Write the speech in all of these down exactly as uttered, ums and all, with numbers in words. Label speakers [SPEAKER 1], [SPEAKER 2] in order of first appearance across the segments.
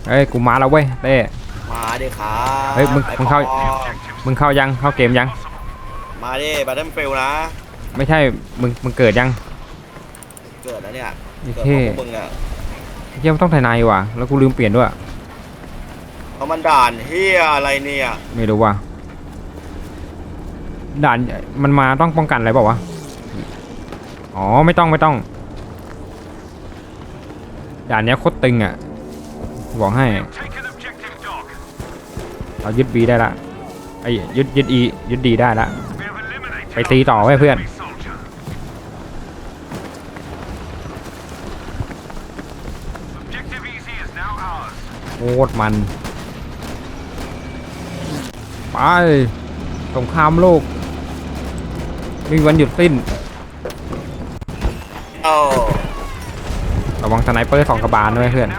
[SPEAKER 1] เฮ้ยกูมาแล้วเว้ยเต้
[SPEAKER 2] มาดิครับ
[SPEAKER 1] เฮ้ยมึงมึงเข้ามึงเข้ายังเข้าเกมยัง
[SPEAKER 2] มาดิบัตเทิลฟิลนะ
[SPEAKER 1] ไม่ใช่มึงมึงเกิดยัง
[SPEAKER 2] เกิดแล้วเนี่ย
[SPEAKER 1] เกิดของมึงอ่ะเฮียมันต้องถ่ายนายว่ะแล้วกูลืมเปลี่ยนด้วย
[SPEAKER 2] เอามันด่านเฮียอะไรเนี่ย
[SPEAKER 1] ไม่รู้ว่ะด่านมันมาต้องป้องกันอะไรเปล่าวะอ๋อไม่ต้องไม่ต้องด่านเนี้ยโคตรตึงอ่ะบอกให้เรายึดบีได้ละไอ้ยึดยึดอียึดดีได้ละไปตีต่อไว้เพื่อนโคตรมันไปสงครามโลกมีวันหยุดสิ้นระวังสไนเปอร์สองกระบาลด้วยเพื่อน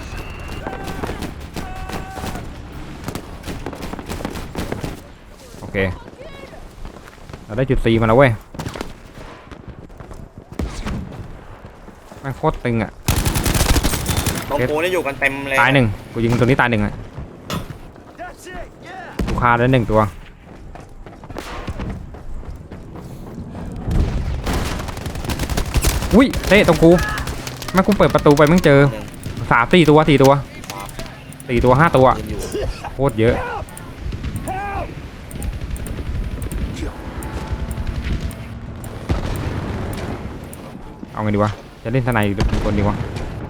[SPEAKER 1] โอเคเราได้จุดซีมาแล้วเว้ยแม่งโคตรตึงอ่ะ
[SPEAKER 2] ตรงกูนี่อยู่กันเต็มเลย
[SPEAKER 1] ตายหนึ่งกูยิงตัวนี้ตายหนึ่งอ่ะกูฆ่าได้หนึ่งตัวอุ้ยเต้ตรงกูแม่งกูเปิดประตูไปแม่งเจอสามสี่ตัวสี่ตัวสี่ตัวห้าตัวโคตรเยอะเอาไงดีวะจะเล่นทนายหรือเป็นคนดีวะ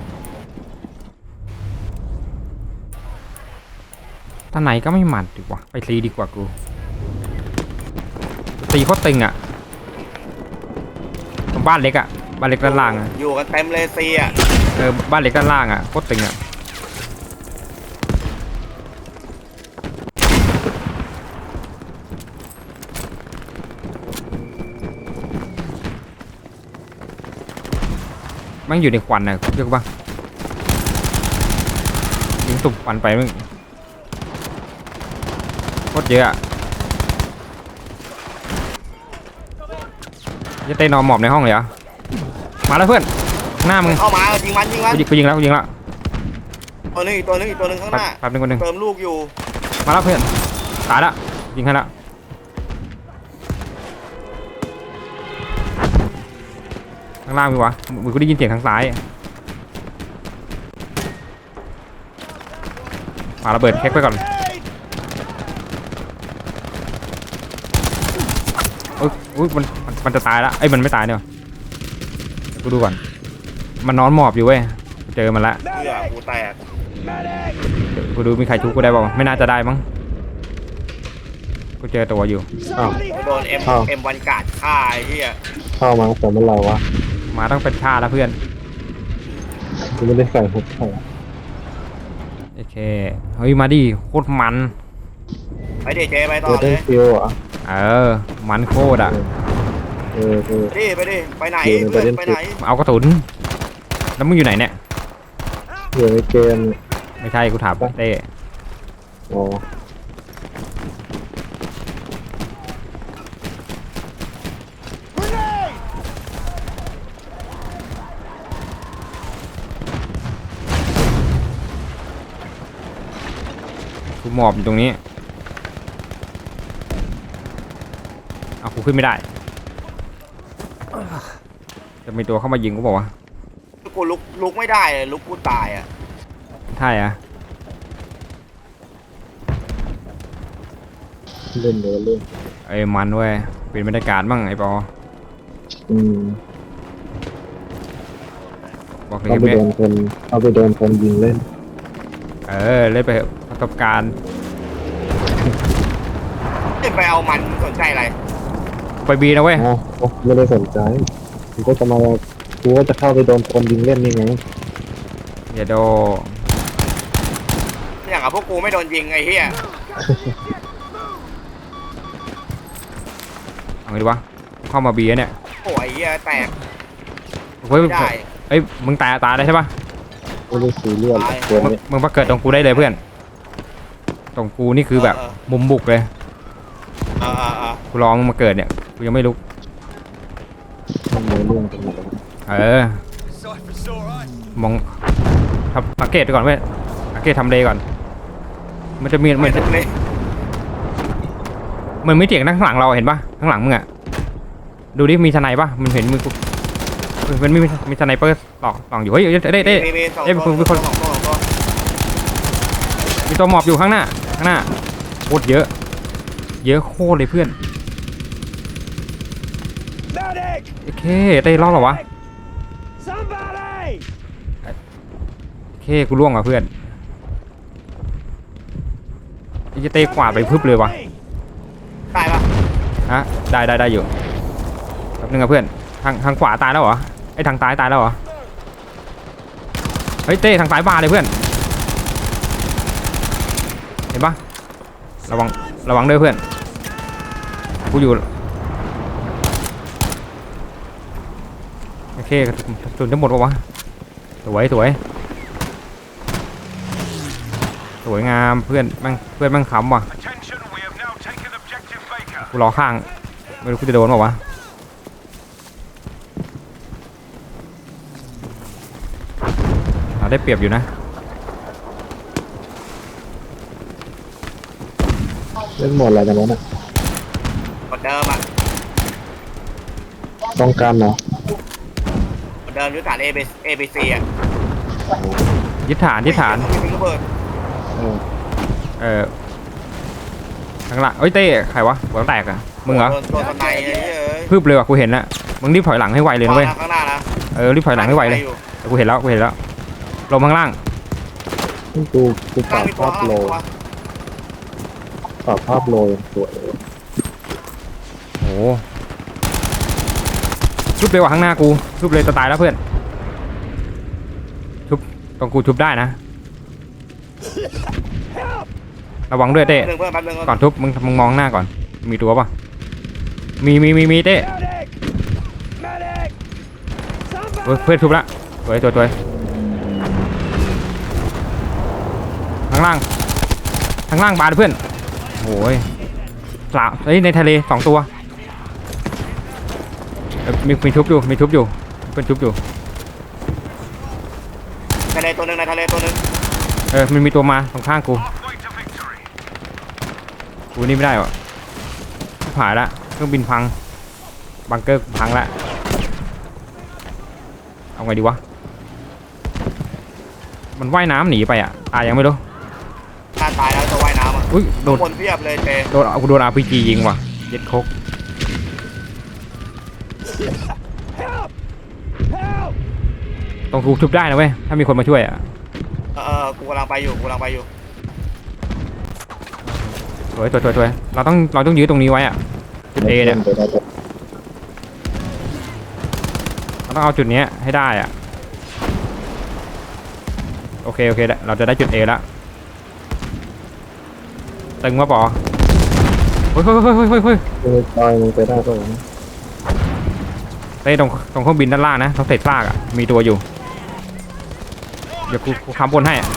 [SPEAKER 1] ทนายก็ไม่หมัดดีกว่าไปซีดีกว่ากูตีโคตรตึงอ่ะบ้านเล็กอ่ะบ้านเล็กด้านล่างอ่ะ
[SPEAKER 2] อยู่กันเต็มเลยซีอ่ะ
[SPEAKER 1] เออบ้านเล็กด้านล่างอ่ะโคตรตึงอ่ะมันอยู่ในควันนะเยอะปะยิงตุ่มควันไปมึงโคตรเยอะจะเต้นนอนหมอบในห้องเลยเหรอมาแล้วเพื่อนหน้ามึง
[SPEAKER 2] เข้ามายิงมันยิงมัน
[SPEAKER 1] กูยิงแล้วกูยิงแล้ว
[SPEAKER 2] ตัวนึงอีกตัวนึงอีกตัวนึงข้างหน้า
[SPEAKER 1] แป๊บนึงคนนึง
[SPEAKER 2] เติมลูกอยู่
[SPEAKER 1] มาแล้วเพื่อนตายละยิงให้ละข้างล่างมีวะมึงกูได้ยินเสียงทางซ้ายมาระเบิดเช็คไปก่อนเอ้ยอุ้ยมันมันจะตายละไอ้มันไม่ตายเนี่ยกูดูก่อนมันนอนหมอบอยู่เว้ยเจอมันละ
[SPEAKER 2] เหี้ยกูแตก
[SPEAKER 1] กูดูมีใครทุบกูได้บ้างไม่น่าจะได้มั้งกูเจอตัวอยู่
[SPEAKER 2] โดนเอ็มเอ็มวันกาดฆ่าไอ้เหี้ย
[SPEAKER 3] เข้ามาแต่เมื่อไรวะ
[SPEAKER 1] มาต้องเป็นชาแล้วเพื่อน
[SPEAKER 3] กูไม่ได้ใส่หุบใส่
[SPEAKER 1] โอเคเฮ้ยมาดิโคตรมัน
[SPEAKER 2] ไปดิเจไปต่อ
[SPEAKER 3] เลย
[SPEAKER 2] ฟิ
[SPEAKER 3] วอ่ะ
[SPEAKER 1] เออมันโคตรอ่ะ
[SPEAKER 3] เออเออ
[SPEAKER 2] ไปดิไปดิไปไหนเพื่อนไปไหน
[SPEAKER 1] เอากระสุนแล้วมึงอยู่ไหนเนี่ย
[SPEAKER 3] อยู่ในเกม
[SPEAKER 1] ไม่ใช่กูถามเต้
[SPEAKER 3] อ๋อ
[SPEAKER 1] กูหมอบอยู่ตรงนี้เอากูขึ้นไม่ได้จะมีตัวเข้ามายิงกูบอกว่า
[SPEAKER 2] กูลุกลุกไม่ได้เลยลุกกูตายอ่ะ
[SPEAKER 1] ใช่อะ
[SPEAKER 3] เล่นเลยเล่น
[SPEAKER 1] ไอ้มันเว้ยเป็นบรรยากาศบ้างไอ้ปอ
[SPEAKER 3] อืม
[SPEAKER 1] บอกเลย
[SPEAKER 3] เอาไปโดนคนเอาไปโดนคนยิงเล่น
[SPEAKER 1] เออเล่นไปประสบการณ์
[SPEAKER 2] ไปเอามันสนใจอะไร
[SPEAKER 1] ไปบีนะเว้ย
[SPEAKER 3] อ๋อไม่ได้สนใจกูก็จะมากูก็จะเข้าไปโดนคนยิงเล่นนี่ไง
[SPEAKER 1] อย่าโด
[SPEAKER 2] อย่างกับพวกกูไม่โดนยิงไอ้เหี้ย
[SPEAKER 1] เอาไงดีวะเข้ามาบีเนี่ย
[SPEAKER 2] โอ้ยเหี้ยแตก
[SPEAKER 1] เฮ้ยเอ้ยมึงตายตายได้ใช่ปะ
[SPEAKER 3] ไม่ได้สีเลือด
[SPEAKER 1] มึงมาเกิดตรงกูได้เลยเพื่อนตรงกูนี่คือแบบมุมบุกเลยกูลองมาเกิดเนี่ยกูยังไม่ลุกเออมองสังเกตดูก่อนเว้ยโอเคทำเลก่อนมันจะมีเหมือน
[SPEAKER 2] เลย
[SPEAKER 1] มันไม่เถียงข้างหลังเราเห็นปะข้างหลังมึงอะดูดิมีทนายปะมันเห็นมือกูมันมีมีทนายเปอร์ตอกตอกอยู่เฮ้ยเด้เด้
[SPEAKER 2] มีมีสอง
[SPEAKER 1] เอ้ย
[SPEAKER 2] ตัว
[SPEAKER 1] มีคน
[SPEAKER 2] สองตัวสองตัว
[SPEAKER 1] มีตัวหมอบอยู่ข้างหน้าข้างหน้าโคตรเยอะเยอะโคตรเลยเพื่อนโอเคเต้รอดเหรอวะโอเคกูล่วงอ่ะเพื่อนไอ้เต้กวาดไปพึบเลยวะ
[SPEAKER 2] ตายปะ
[SPEAKER 1] ฮะได้ได้ได้อยู่แป๊บนึงอะเพื่อนทางทางขวาตายแล้วเหรอไอ้ทางซ้ายตายแล้วเหรอเฮ้ยเต้ทางซ้ายบาเลยเพื่อนเห็นปะระวังระวังด้วยเพื่อนกูอยู่โอเคกระสุนกระสุนทั้งหมดปะวะสวยสวยสวยงามเพื่อนแม่งเพื่อนแม่งขำว่ะกูรอข้างไม่รู้กูจะโดนเปล่าวะเราได้เปรียบอยู่นะ
[SPEAKER 3] เล่นหมดอะไรกันวะเนี่ย
[SPEAKER 2] เหมือนเดิมอ่ะ
[SPEAKER 3] ต้องการเนาะ
[SPEAKER 2] เหมือนเดิมยุทธฐาน A B A B C อ่ะ
[SPEAKER 1] ยึดฐานยึดฐาน
[SPEAKER 2] มีระเบิด
[SPEAKER 3] เออ
[SPEAKER 1] เออข้างหลังเอ้ยเต้ใครวะหัวแตกอะมึงเหรอ
[SPEAKER 2] โดนโดนสไนเปอร์เอ้ย
[SPEAKER 1] พึบเลยว่ะกูเห็นละมึงรีบถอยหลังให้ไวเลยนะเว้ย
[SPEAKER 2] ข้างหน้านะ
[SPEAKER 1] เออรีบถอยหลังให้ไวเลยแต่กูเห็นแล้วกูเห็นแล้วลงข้างล่าง
[SPEAKER 3] นี่กูกูป
[SPEAKER 2] ข้า
[SPEAKER 3] รั
[SPEAKER 2] ง
[SPEAKER 3] บ
[SPEAKER 2] มีตัว
[SPEAKER 3] ภาพ
[SPEAKER 2] ข้าง
[SPEAKER 3] โล
[SPEAKER 2] มีตัว
[SPEAKER 3] ปรับภาพโลยังสวยเลย
[SPEAKER 1] โอ้ชุบเลยว่ะข้างหน้ากูชุบเลยจะตายแล้วเพื่อนชุบตรงกูชุบได้นะระวังด้วยเต้
[SPEAKER 2] หนึ่งเพื่อนแป๊บนึง
[SPEAKER 1] ก่อนทุบมึงมึงมองหน้าก่อนมีตัวปะมีมีมีมีเต้เฮ้ยเพื่อนทุบละสวยสวยสวยข้างล่างข้างล่างบาดเพื่อนโอ้ยสาวเฮ้ยในทะเลสองตัวเอ้ยมีมีทุบอยู่มีทุบอยู่เพื่อนทุบอยู่
[SPEAKER 2] ทะเลตัวหนึ่งในทะเลตัวหนึ่ง
[SPEAKER 1] เออมันมีตัวมาตรงข้างกูกูนี่ไม่ได้วะหายละเครื่องบินพังบังเกอร์พังละเอาไงดีวะมันว่ายน้ำหนีไปอ่ะตายยังไม่รู้
[SPEAKER 2] ถ้าตายแล้วจะว่ายน้ำอ่ะ
[SPEAKER 1] อุ้ยโดน
[SPEAKER 2] คนเพียบเลยเจ
[SPEAKER 1] โดนเอาโดนอาร์พีจียิงว่ะเย็ดคกต้องถูกทุบได้นะเว้ยถ้ามีคนมาช่วยอ่ะ
[SPEAKER 2] เออเออกูกำลังไปอยู่กูกำลังไปอยู่
[SPEAKER 1] สวยสวยสวยสวยเราต้องเราต้องยื้อตรงนี้ไว้อ่ะจุดเอเนี่ย
[SPEAKER 3] ไปได้แต่
[SPEAKER 1] เราต้องเอาจุดนี้ให้ได้อ่ะโอเคโอเคเราจะได้จุดเอแล้วตึงมาปอเฮ้ยเฮ้ยเฮ้ยเฮ้ยเฮ้ยเฮ้ย
[SPEAKER 3] มึงตายมึงไปได้ก็วะ
[SPEAKER 1] เต้ตรงตรงเครื่องบินด้านล่างนะตรงเศษซากอ่ะมีตัวอยู่เดี๋ยวกูกูค้ำบนให้อะ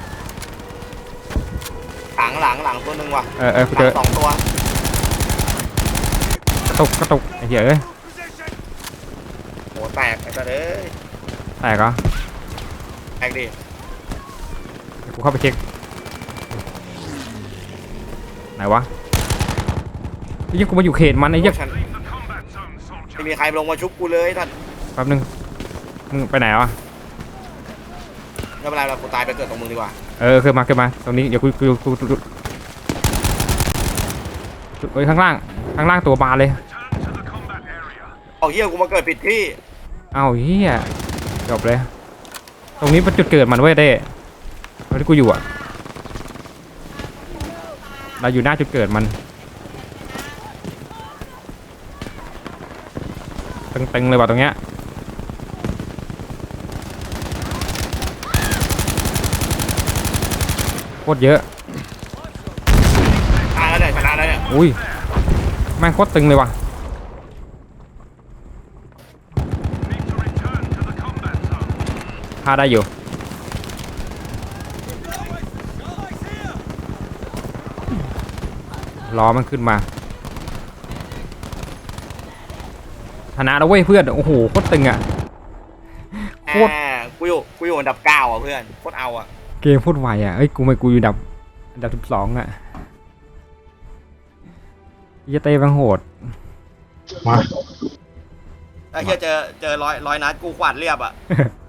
[SPEAKER 2] หลังหลังหลังตัวหนึ่งว่ะ
[SPEAKER 1] เออเออกู
[SPEAKER 2] ห
[SPEAKER 1] เจ
[SPEAKER 2] ลั
[SPEAKER 1] อง
[SPEAKER 2] สองตัว
[SPEAKER 1] กระตุกกระตุกไอ้เหี้ยเอ้ย
[SPEAKER 2] โหแตกไอ้สัสเอ้ย
[SPEAKER 1] แตกเหรอ
[SPEAKER 2] แตกดิ
[SPEAKER 1] เดี๋ยวกูเข้าไปเช็คไหนวะไอ้เหี้ยกูมาอยู่เขตมันไอ้เหี้ย
[SPEAKER 2] ฉันไม่มีใครลงมาชุบกูเลยท่าน
[SPEAKER 1] แป๊บนึงมึงไปไหนวะ
[SPEAKER 2] ไม่เป็นไรเรากูตายไปเกิดตรงมึงดีกว่า
[SPEAKER 1] เออขึ้นมาขึ้นมาตรงนี้เดี๋ยวกูกูกูกูเฮ้ยข้างล่างข้างล่างตัวบานเลย
[SPEAKER 2] เอาเฮียกูมาเกิดผิดที่
[SPEAKER 1] เอ้าเหี้ยจบเลยตรงนี้เป็นจุดเกิดมันเว้ยเต้ตรงที่กูอยู่อ่ะเราอยู่หน้าจุดเกิดมันตึงๆเลยว่ะตรงเนี้ยโคตรเยอะ
[SPEAKER 2] ตายแล้วเนี่ยชนะแล้วเนี่ย
[SPEAKER 1] อุ้ยแม่งโคตรตึงเลยว่ะฆ่าได้อยู่รอมันขึ้นมาชนะแล้วเว้ยเพื่อนโอ้โหโคตรตึงอ่ะ โคตร
[SPEAKER 2] แหมกูอยู่กูอยู่อันดับเก้าอ่ะเพื่อนโคตรเอาอ่ะ
[SPEAKER 1] เกมพูดไวอ่ะเอ้ยกูไม่กูอยู่อันดับอันดับสิบสองอ่ะเหี้ยเต้บังโหด
[SPEAKER 3] มา
[SPEAKER 2] ไอ้เหี้ยเจอเจอร้อยร้อยนัดกูขวาดเรียบอ่ะ